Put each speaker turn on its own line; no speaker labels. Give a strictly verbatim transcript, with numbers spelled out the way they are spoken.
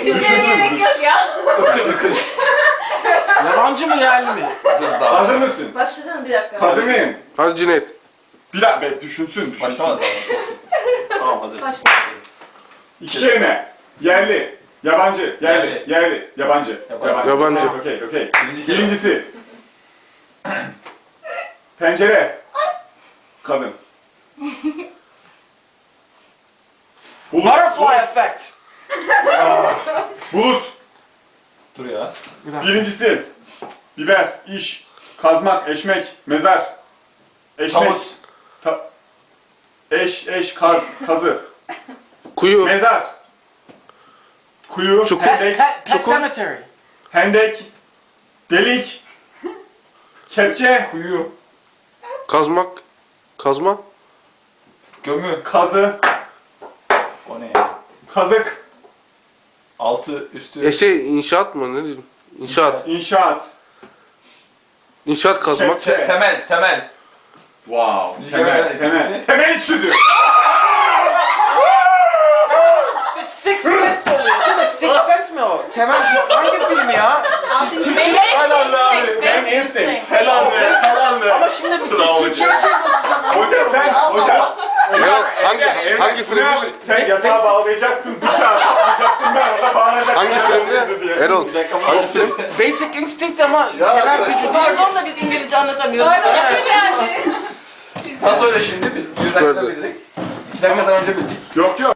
Düşünmeye gerek yok ya.
Yabancı mı yerli mi?
Hazır mısın?
Başladın bir dakika.
Hazır mıyım?
Hadi Cüneyt.
Bir dakika be, düşünsün, düşünsün.
Başlamadı daha.
Tamam hazır.
Başla.
İki kelime. Yerli, yabancı, yerli,
Yerli.
yerli, yabancı.
Yabancı.
Yabancı.
Okey, okey.
Birinci kelime.
Birincisi. Pencere. Kadın. Bulut.
Butterfly effect.
Bulut.
Dur ya.
Birincisi. Biber, iş, kazmak, eşmek, mezar. Eşmek.
Tavus.
Ta- eş, eş, kaz, kazı.
Kuyu.
Mezar. Kuyu,
Çukur.
Pet,
hendek,
pet, pet
Çukur.
cemetery.
hendek, delik, kepçe,
Kuyu.
Kazmak. Kazma.
Gömü.
kazı,
O ne ya?
kazık,
Altı, üstü.
E şey inşaat mı ne diyeyim? İnşaat.
inşaat,
İnşaat kazmak.
kepçe.
Te- temel, temel.
Wow.
Bir
Temel,
kere
temel.
ikincisi.
Temel içgüdü.
The Sixth Sense oluyor değil mi? Sixth Sense mi o? Temel hangi film ya?
Altıncı
Türkçe-
Helal be. Ben instinct. Helal be. Helal be.
Ama şimdi biz siz
Bravo
Türkçe'ye
hocam.
şey yapıyorsunuz.
Hoca sen, hoca.
Erol, hangi
Evet,
hangi
bu ne
filmmiş?
abi? Sen yatağa bağlayacaktın, bıçağı saplayacaktın, ben orada bağlayacaktım.
Hangi filmde? Erol. Hangi film?
Basic Instinct ama temel gücü değil.
Pardon da biz İngilizce anlatamıyoruz.
Pardon yani.
Nasıl öyle şimdi? Biz bir dakikada
Süperdi.
bildik. İki dakikadan önce bildik.
Yok yok.